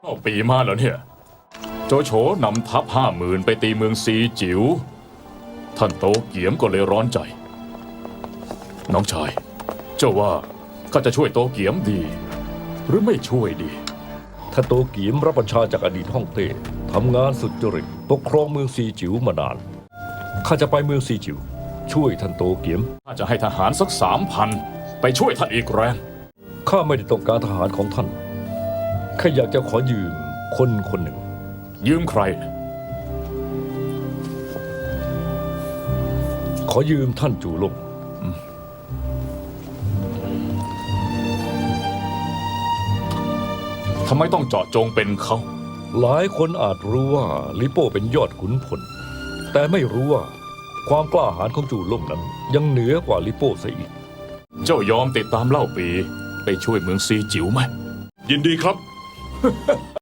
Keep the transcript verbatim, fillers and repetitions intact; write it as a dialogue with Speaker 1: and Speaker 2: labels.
Speaker 1: เอาปีมาแล้วเนี่ยโจโฉนำทัพห้าหมื่นไปตีเมืองซีจิ๋วท่านโตเกียมก็เลยร้อนใจ น้องชาย เจ้าว่าข้าจะช่วยโตเกียมดี หรือไม่ช่วยดี
Speaker 2: ท่านโตเกียมรับบัญชาจากอดีตฮ่องเต้ทำงานสุจริตปกครองเมืองซีจิ๋วมานานข้าจะไปเมืองซีจิ๋วช่วยท่านโตเกียม
Speaker 1: ข้าจะให้ทหารสักสามพันไปช่วยท่านอีกแรง
Speaker 2: ข้าไม่ได้ต้องการทหารของท่านแค่อยากจะขอยืมคนคนหนึ่ง
Speaker 1: ยืมใคร
Speaker 2: ขอยืมท่านจูลง
Speaker 1: ทำไมต้องเจาะจงเป็นเขา
Speaker 2: หลายคนอาจรู้ว่าลิโป้เป็นยอดขุนพลแต่ไม่รู้ว่าความกล้าหาญของจูล่งนั้นยังเหนือกว่าลิโป้ซะอีก
Speaker 1: เจ้ายอมติดตามเล่าปีไปช่วยเมืองซีจิ๋วไหม
Speaker 3: ยินดีครับ